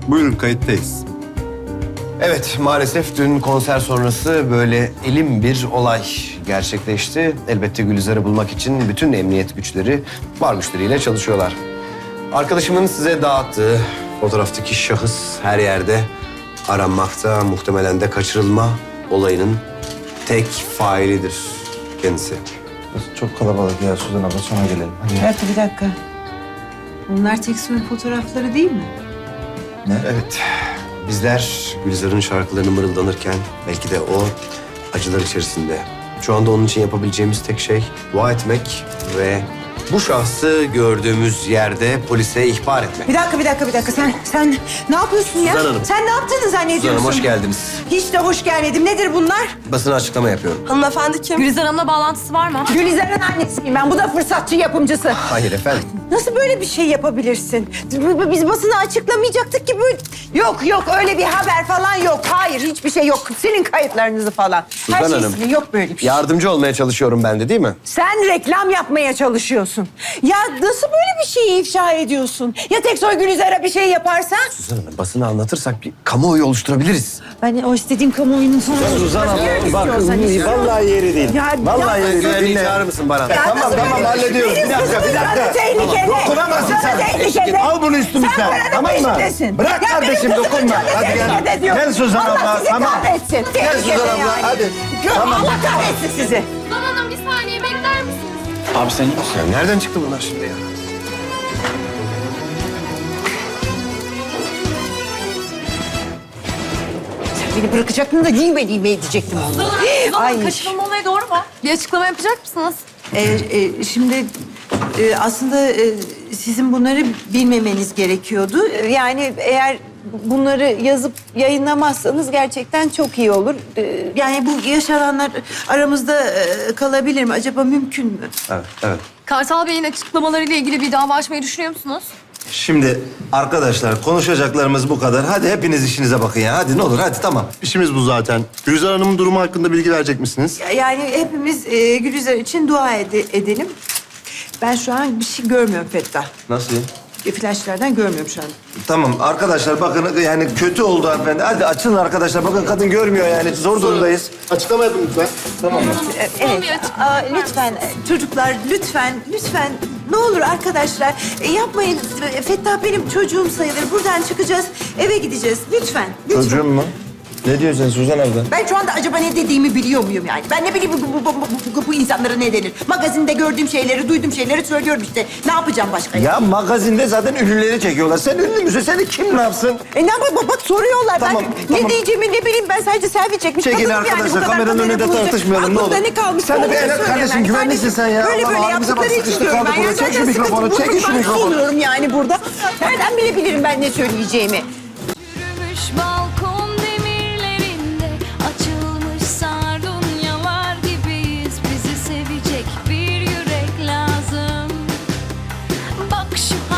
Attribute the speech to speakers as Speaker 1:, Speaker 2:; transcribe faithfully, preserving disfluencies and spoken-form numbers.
Speaker 1: Buyurun, kayıttayız.
Speaker 2: Evet, maalesef dün konser sonrası böyle elim bir olay gerçekleşti. Elbette Gülizar'ı bulmak için bütün emniyet güçleri var güçleriyle çalışıyorlar. Arkadaşımın size dağıttığı fotoğraftaki şahıs her yerde aranmakta. Muhtemelen de kaçırılma olayının tek failidir kendisi.
Speaker 3: Çok kalabalık ya Suzan abla, sonra gelelim. Hadi.
Speaker 4: Bir dakika, bir dakika. Bunlar tek soyun fotoğrafları değil mi?
Speaker 3: Ne?
Speaker 2: Evet, bizler Gülizar'ın şarkılarını mırıldanırken belki de o acılar içerisinde. Şu anda onun için yapabileceğimiz tek şey dua etmek ve bu şahsı gördüğümüz yerde polise ihbar etmek.
Speaker 4: Bir dakika, bir dakika, bir dakika. Sen, sen ne yapıyorsun ya?
Speaker 2: Suzan Hanım.
Speaker 4: Sen ne yaptığını zannediyorsun?
Speaker 2: Suzan Hanım, hoş geldiniz.
Speaker 4: Hiç de hoş gelmedim. Nedir bunlar?
Speaker 2: Basına açıklama yapıyorum.
Speaker 5: Hanımefendi kim? Gülizar Hanım'la bağlantısı var mı?
Speaker 4: Gülizar'ın annesiyim ben. Bu da fırsatçı yapımcısı.
Speaker 2: Hayır efendim.
Speaker 4: Nasıl böyle bir şey yapabilirsin? Biz basına açıklamayacaktık ki böyle... Yok yok, öyle bir haber falan yok. Hayır, hiçbir şey yok. Silin kayıtlarınızı falan.
Speaker 2: Suzan
Speaker 4: Her şey
Speaker 2: Hanım.
Speaker 4: silin. Yok böyle bir şey.
Speaker 2: Yardımcı olmaya çalışıyorum ben de, değil mi?
Speaker 4: Sen reklam yapmaya çalışıyorsun. Ya nasıl böyle bir şeyi ifşa ediyorsun? Ya Teksoy Gülizar'a bir şey yaparsan?
Speaker 2: Suzan Hanım, basına anlatırsak bir kamuoyu oluşturabiliriz.
Speaker 4: Ben o istediğim kamuoyunun sonu...
Speaker 3: Suzan abla bak, vallahi yeri değil.
Speaker 4: Ya,
Speaker 3: Vallahi
Speaker 4: ya-
Speaker 3: yeri değil.
Speaker 2: Güvenliği
Speaker 3: Dinle.
Speaker 2: çağırır mısın Baran?
Speaker 4: Ya
Speaker 3: Tamam,
Speaker 4: nasıl
Speaker 3: tamam,
Speaker 4: böyle-
Speaker 3: hallediyoruz. Bir
Speaker 4: Benim
Speaker 3: dakika, bir
Speaker 4: kızımın
Speaker 3: dakika.
Speaker 4: canı tehlikede.
Speaker 3: Dokunamazsın
Speaker 4: Canı
Speaker 3: sen.
Speaker 4: tehlikede.
Speaker 3: Al bunu üstümüzden.
Speaker 4: Sen paranın
Speaker 3: Tamam mı?
Speaker 4: peşindesin.
Speaker 3: Bırak
Speaker 4: Ya
Speaker 3: kardeşim,
Speaker 4: benim kızımın
Speaker 3: dokunma.
Speaker 4: canı
Speaker 3: Hadi gel.
Speaker 4: tehlikede diyor.
Speaker 3: Gel Suzan
Speaker 4: Allah
Speaker 3: abla,
Speaker 4: sizi
Speaker 3: tamam.
Speaker 4: kahretsin.
Speaker 3: Gel
Speaker 4: Tehlikede
Speaker 3: Suzan abla,
Speaker 4: yani.
Speaker 3: hadi.
Speaker 4: Gör,
Speaker 3: Tamam.
Speaker 4: Allah kahretsin sizi.
Speaker 5: Suzan Hanım bir saniye bekler misiniz?
Speaker 3: Abi sen iyi misin?
Speaker 2: Ya nereden çıktı bunlar şimdi ya?
Speaker 4: Sen beni bırakacaktın da niye beni niye edecektim onu?
Speaker 5: Suzan Hanım
Speaker 4: Ay.
Speaker 5: kaçırılma olayı doğru mu? Bir açıklama yapacak mısınız?
Speaker 6: Ee, e, şimdi e, aslında e, sizin bunları bilmemeniz gerekiyordu. Ee,
Speaker 4: Yani eğer bunları yazıp yayınlamazsanız gerçekten çok iyi olur. Ee,
Speaker 6: Yani bu yaşananlar aramızda e, kalabilir mi? Acaba mümkün mü?
Speaker 2: Evet, evet.
Speaker 5: Kartal Bey'in açıklamalarıyla ilgili bir dava açmayı düşünüyor musunuz?
Speaker 3: Şimdi arkadaşlar, konuşacaklarımız bu kadar. Hadi hepiniz işinize bakın ya. Hadi ne olur, hadi tamam.
Speaker 1: İşimiz bu zaten. Gülizar Hanım'ın durumu hakkında bilgi verecek misiniz?
Speaker 6: Yani hepimiz e, Gülizar için dua ede- edelim. Ben şu an bir şey görmüyorum Fettah.
Speaker 3: Nasıl ya?
Speaker 6: E, Flaşlardan görmüyorum şu an.
Speaker 3: Tamam arkadaşlar, bakın yani kötü oldu hanımefendi. Hadi açılın arkadaşlar. Bakın kadın görmüyor yani. Zor durumdayız.
Speaker 1: Açıklama yapın lütfen.
Speaker 3: Tamam mı?
Speaker 6: E,
Speaker 5: Son
Speaker 6: Evet.
Speaker 5: bir açıklama.
Speaker 6: Aa, lütfen e, çocuklar, lütfen, lütfen. Ne olur arkadaşlar e, yapmayın. E, Fettah benim çocuğum sayılır. Buradan çıkacağız, eve gideceğiz. Lütfen, lütfen.
Speaker 3: Çocuğum mu? Ne diyorsun Suzan abla?
Speaker 6: Ben şu anda acaba ne dediğimi biliyor muyum yani? Ben ne bileyim bu, bu, bu, bu, bu, bu insanlara ne denir? Magazinde gördüğüm şeyleri, duyduğum şeyleri söylüyorum işte. Ne yapacağım başka ya?
Speaker 3: Ya magazinde zaten ünlüleri çekiyorlar. Sen ünlü müsün? Seni kim ne yapsın?
Speaker 6: E ne yapayım? Bak soruyorlar.
Speaker 3: Tamam,
Speaker 6: ben
Speaker 3: tamam.
Speaker 6: ne diyeceğimi ne bileyim. Ben sadece selfie çekmiş
Speaker 3: Çekil
Speaker 6: kadınım
Speaker 3: arkadaşlar,
Speaker 6: yani. Bu kadar
Speaker 3: kameranın
Speaker 6: kamera
Speaker 3: önünde
Speaker 6: bulunca
Speaker 3: tartışmayalım, ne
Speaker 6: aklımda
Speaker 3: olur.
Speaker 6: ne kalmış?
Speaker 3: Sen de bir
Speaker 6: Onları
Speaker 3: el-
Speaker 6: söyleyemem.
Speaker 3: kardeşim, güvenlisin sen ya.
Speaker 6: Böyle
Speaker 3: Allah
Speaker 6: böyle
Speaker 3: Allah, bize bak,
Speaker 6: yaptıkları için
Speaker 3: sıkıştık
Speaker 6: diyorum
Speaker 3: kaldık
Speaker 6: ben.
Speaker 3: burada.
Speaker 6: Ya
Speaker 3: Çek şu
Speaker 6: zaten
Speaker 3: mikrofonu,
Speaker 6: sıkıntı
Speaker 3: çekin şu
Speaker 6: burnumdan
Speaker 3: mikrofonu.
Speaker 6: soluyorum yani burada. Nereden bilebilirim ben ne söyleyeceğimi?
Speaker 7: Yürümüş balkon demirlerinde açılmış sardunyalar gibiyiz. Bizi sevecek bir yürek lazım. Bak şu